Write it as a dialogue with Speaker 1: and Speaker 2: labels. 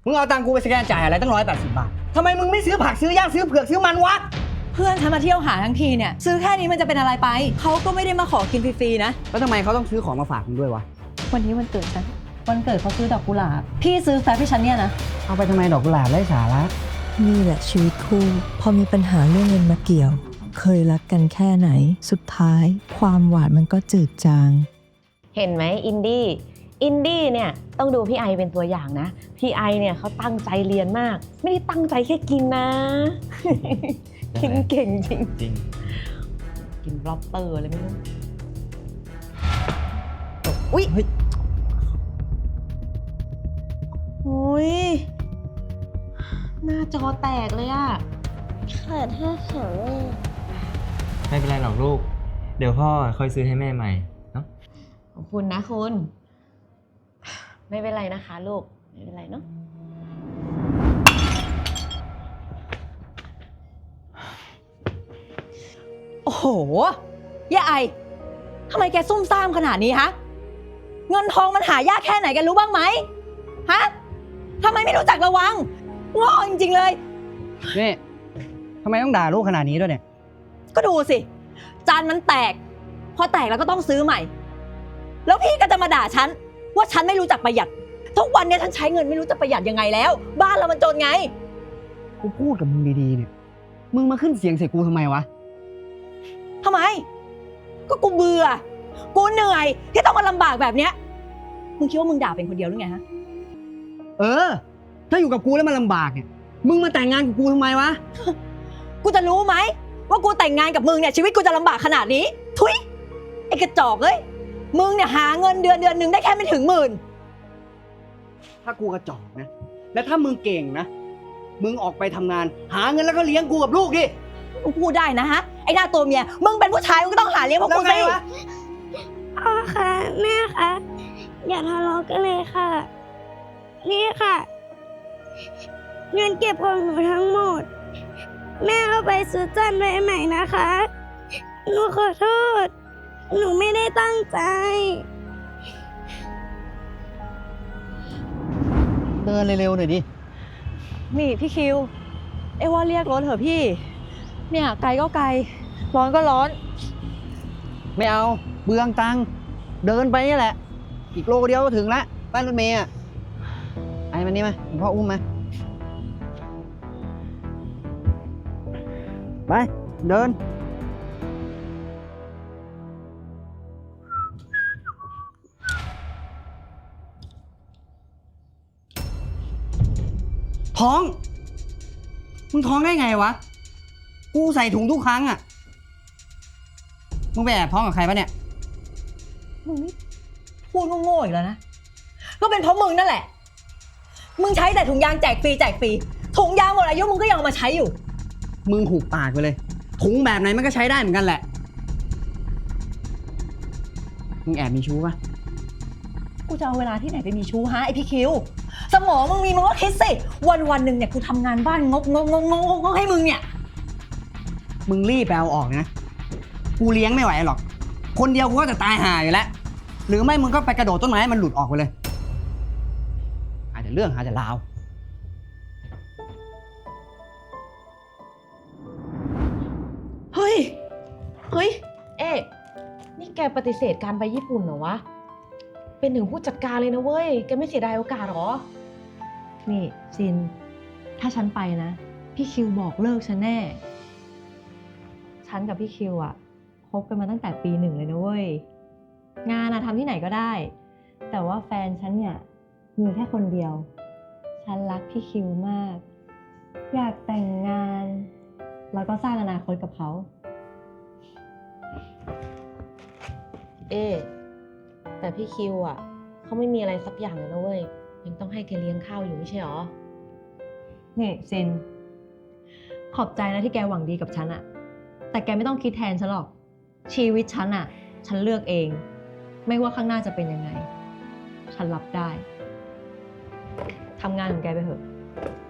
Speaker 1: มึงเอาตังค์กูไปสแกนจ่ายอะไรตั้ง180 บาททำไมมึงไม่ซื้อผักซื้อย่างซื้อเผือกซื้อมันวะ
Speaker 2: เพื่อนฉันมาเที่ยวหาทั้งทีเนี่ยซื้อแค่นี้มันจะเป็นอะไรไปเขาก็ไม่ได้มาขอกินฟรีๆนะ
Speaker 1: แล้วทำไมเขาต้องซื้อของมาฝากมึงด้วยวะ
Speaker 2: วันนี้วันเกิดฉันวันเกิดเขาซื้อดอกกุหลาบพี่ซื้อแฟบให้ฉันเนี่ยนะ
Speaker 1: เอาไปทำไมดอกกุหลาบไร้สาระ
Speaker 3: นี่แหละชีวิตคู่พอมีปัญหาเรื่องเงินมาเกี่ยวเคยรักกันแค่ไหนสุดท้ายความหวานมันก็จืดจาง
Speaker 4: เห็นไหมอินดี้เนี่ยต้องดูพี่ไอเป็นตัวอย่างนะพี่ไอเนี่ยเขาตั้งใจเรียนมากไม่ได้ตั้งใจแค่กินนะ กินเก่งจริงกินบล็อบเตอร์อะไรไม่รู้อุ๊ยอุ๊ยหน้าจอแตกเลยอะ
Speaker 5: ขาด5 2
Speaker 6: ไม่เป็นไรหรอกลูกเดี๋ยวพ่อค่อยซื้อให้แม่ใหม่เนาะ
Speaker 4: ขอบคุณนะคุณไม่เป็นไรนะคะลูกไม่เป็นไรเนาะ
Speaker 2: โอ้โหย่าไอทำไมแกซุ่มซ่ามขนาดนี้ฮะเงินทองมันหายากแค่ไหนแกรู้บ้างไหมฮะทำไมไม่รู้จักระวังโง่จริงๆเลย
Speaker 1: นี่ทำไมต้องด่าลูกขนาดนี้ด้วยเนี่ย
Speaker 2: ก็ดูสิจานมันแตกพอแตกแล้วก็ต้องซื้อใหม่แล้วพี่ก็จะมาด่าฉันว่าฉันไม่รู้จักประหยัดทุกวันนี้ฉันใช้เงินไม่รู้จะประหยัดยังไงแล้วบ้านเรามันจนไง
Speaker 1: กูพูดกับมึงดีๆเนี่ยมึงมาขึ้นเสียงใส่กูทำไมวะ
Speaker 2: ทำไมก็กูเบื่อกูเหนื่อยที่ต้องมาลำบากแบบเนี้ยมึงคิดว่ามึงด่าเป็นคนเดียวหรือไงฮะ
Speaker 1: ถ้าอยู่กับกูแล้วมันลำบากเนี่ยมึงมาแต่งงานกับกูทำไมวะ
Speaker 2: กูจะรู้ไหมว่ากูแต่งงานกับมึงเนี่ยชีวิตกูจะลำบากขนาดนี้ทุยไอ้กระจอกเอ้ยมึงเนี่ยหาเงินเดือนนึงได้แค่ไม่ถึง10,000
Speaker 1: ถ้ากูกระจอกนะและถ้ามึงเก่งนะมึงออกไปทำงานหาเงินแล้วก็เลี้ยงกูกับลูกดิ
Speaker 2: มึงพูดได้นะฮะไอ้หน้าตัวเมียมึงเป็นผู้ชายมึงก็ต้องหาเลี้ยงพวกกูสิ
Speaker 5: พ่อคะแม่คะอย่าทะเลาะกันเลยค่ะนี่ค่ะเงินเก็บของหนูทั้งหมดแม่เอาไปซื้อจานใหม่ๆนะคะหนูขอโทษหนูไม่ได้ตั้งใจ
Speaker 1: เดินเร็วๆหน่อยดิ
Speaker 2: นี่พี่คิวเอว่าเรียกรถเถอะพี่เนี่ยไกลก็ไกลร้อนก็ร้อน
Speaker 1: ไม่เอาเบืองตังเดินไปนี่แหละอีกโลเดียวก็ถึงละป้ายรถเมย์อะไอ้มันนี่มาพ่ออุ้มมาไปเดินท้องมึงท้องได้ไงวะกูใส่ถุงทุกครั้งอ่ะมึงไปแอบท้องกับใครปะเนี่ย
Speaker 2: มึงนี่พูดโง่ๆอีกแล้วนะก็เป็นเพราะมึงนั่นแหละมึงใช้แต่ถุงยางแจกฟรีถุงยางหมดอายุมึงก็ยังเอามาใช้อยู่
Speaker 1: มึงหุบปากไปเลยถุงแบบไหนมันก็ใช้ได้เหมือนกันแหละมึงแอบมีชู้ปะ
Speaker 2: กูจะเอาเวลาที่ไหนไปมีชู้ฮะไอพี่คิวสมองมึงมีมึงก็คิดสิวันหนึ่งเนี่ยกูทำงานบ้านงกให้มึงเนี่ย
Speaker 1: มึงรีบไปเอาออกนะกูเลี้ยงไม่ไหวหรอกคนเดียวกูก็จะตายห่าอยู่แล้วหรือไม่มึงก็ไปกระโดดต้นไม้ให้มันหลุดออกไปเลยอาจจะเรื่องอาจจะราว
Speaker 4: เฮ้ยเอ๊ะนี่แกปฏิเสธการไปญี่ปุ่นเหรอวะเป็นถึงผู้จัดการเลยนะเว้ยแกไม่เสียดายโอกาสหรอ
Speaker 2: นี่ซินถ้าฉันไปนะพี่คิวบอกเลิกฉันแน่ฉันกับพี่คิวอะคบกันมาตั้งแต่ปี1เลยนะเว้ยงานอะทำที่ไหนก็ได้แต่ว่าแฟนฉันเนี่ยมีแค่คนเดียวฉันรักพี่คิวมากอยากแต่งงานแล้วก็สร้างอนาคตกับเขา
Speaker 4: แต่พี่คิวอ่ะเขาไม่มีอะไรสักอย่างเลยนะเว้ยยังต้องให้แกเลี้ยงข้าวอยู่ไม่ใช่หรอ
Speaker 2: นี่ซินขอบใจนะที่แกหวังดีกับฉันอะแต่แกไม่ต้องคิดแทนฉันหรอกชีวิตฉันอะฉันเลือกเองไม่ว่าข้างหน้าจะเป็นยังไงฉันรับได้ทำงานของแกไปเถอะ